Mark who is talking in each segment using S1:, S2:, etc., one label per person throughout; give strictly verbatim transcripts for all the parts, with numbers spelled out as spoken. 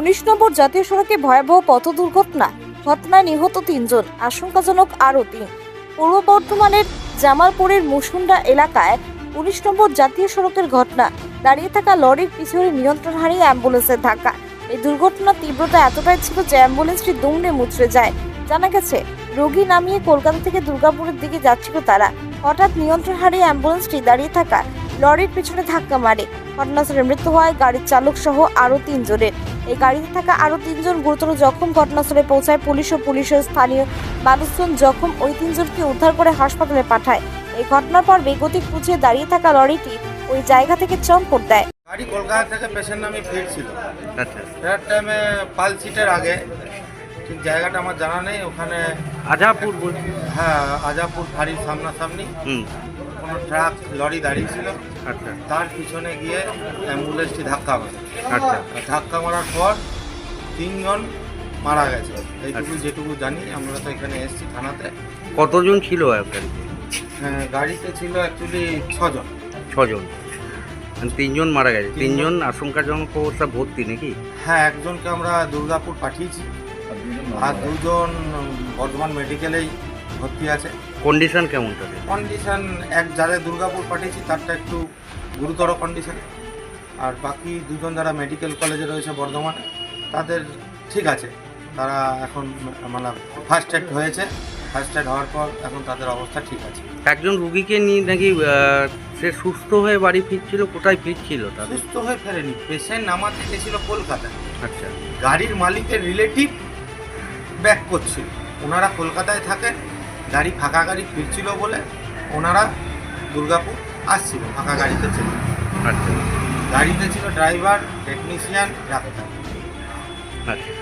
S1: উনিশ নম্বর জাতীয় সড়কে ভয়াবহ পথ দুর্ঘটনা, ঘটনায় নিহত তিনজন, আশঙ্কাজনক আরও তিন। পূর্ব বর্ধমানের জামালপুরের মুসুন্ডা এলাকায় উনিশ নম্বর জাতীয় সড়কের ঘটনা। দাঁড়িয়ে থাকা লরির পিছনে নিয়ন্ত্রণ হারিয়ে অ্যাম্বুলেন্সের ধাক্কা। এই দুর্ঘটনার তীব্রতা এতটাই ছিল যে অ্যাম্বুলেন্সটি দুমড়ে মুচড়ে যায়। জানা গেছে, রোগী নামিয়ে কলকাতা থেকে দুর্গাপুরের দিকে যাচ্ছিল তারা। হঠাৎ নিয়ন্ত্রণ হারিয়ে অ্যাম্বুলেন্সটি দাঁড়িয়ে থাকা লরির পিছনে ধাক্কা মারে। ঘটনাস্থলে মৃত্যু হয় গাড়ির চালক সহ আরও তিনজনের। এই গাড়িতে থাকা আরও তিনজন গুরুতর জখম। ঘটনাস্থলে পৌঁছায় পুলিশ ও পুলিশের স্থানীয় মানুষজন জখম ওই তিনজনকে উদ্ধার করে হাসপাতালে পাঠায়। এই ঘটনার পর বেগতিক পুঁছে দাঁড়িয়ে থাকা লরিটি ওই জায়গা থেকে চম্পট দেয়।
S2: গাড়ি কলকাতা থেকে পেশেন্ট নামে ফিরছিল।
S3: আচ্ছা,
S2: ফেরার টাইমে পাল সিটের আগে, ঠিক জায়গাটা আমার জানা নেই, ওখানে
S3: আজাপুর বলছি।
S2: হ্যাঁ আজাপুর ফাঁড়ির সামনাসামনি
S3: হুম,
S2: কোনো ট্রাক লরি দাঁড়িয়ে ছিল।
S3: আচ্ছা
S2: তার পিছনে গিয়ে অ্যাম্বুলেন্সটি ধাক্কা মারে।
S3: আচ্ছা
S2: আর ধাক্কা মারার পর তিনজন মারা গেছে, এইটুকু যেটুকু জানি। আমরা তো এখানে এসেছি থানাতে।
S3: কতজন ছিল আপনার?
S2: হ্যাঁ, গাড়িতে ছিল অ্যাকচুয়ালি ছজন।
S3: ছজন, মানে তিনজন মারা গেছে। তিনজন আশঙ্কাজনক অবস্থা ভর্তি নাকি?
S2: হ্যাঁ, একজনকে আমরা দুর্গাপুর পাঠিয়েছি আর দুজন বর্ধমান মেডিকেলেই ভর্তি আছে।
S3: কন্ডিশন কেমন তাদের?
S2: কন্ডিশন এক যারা দুর্গাপুর পাঠিয়েছি তারটা একটু গুরুতর কন্ডিশন, আর বাকি দুজন যারা মেডিকেল কলেজে রয়েছে বর্ধমানে তাদের ঠিক আছে। তারা এখন মানে ফার্স্ট এড হয়েছে, ফার্স্ট এড হওয়ার পর এখন তাদের অবস্থা ঠিক আছে।
S3: একজন রুগীকে নিয়ে নাকি আহ, সে সুস্থ হয়ে বাড়ি ফিরছিল, কোথায় ফিরছিল তাদের?
S2: সুস্থ হয়ে ফেরেনি, পেশেন্ট নামাতে গেছিল কলকাতায়।
S3: আচ্ছা,
S2: গাড়ির মালিকের রিলেটিভ ব্যাক করছিল। ওনারা কলকাতায় থাকেন, গাড়ি ফাঁকা গাড়ি ফিরছিল বলে ওনারা দুর্গাপুর আসছিল, ফাঁকা গাড়িতে ছিল।
S3: আচ্ছা
S2: গাড়িতে ছিল ড্রাইভার, টেকনিশিয়ান, ডাক্তার।
S3: আচ্ছা,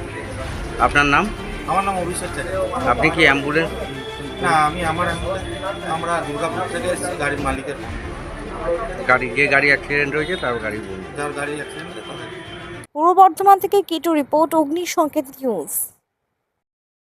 S3: আপনার নাম?
S2: আমার নাম অভিষেক চ্যাটার্জি।
S3: আপনি কি অ্যাম্বুলেন্স?
S2: না, আমি আমার আমরা দুর্গাপুর থেকে এসেছি গাড়ির মালিকের,
S3: গাড়ি যে গাড়ি অ্যাক্সিডেন্ট হয়েছে তার গাড়ি বলুন।
S2: যার গাড়ি অ্যাক্সিডেন্ট হয়েছে তাদের।
S1: পূর্ব বর্ধমান থেকে কিটু রিপোর্ট, অগ্নি সংকেত নিউজ।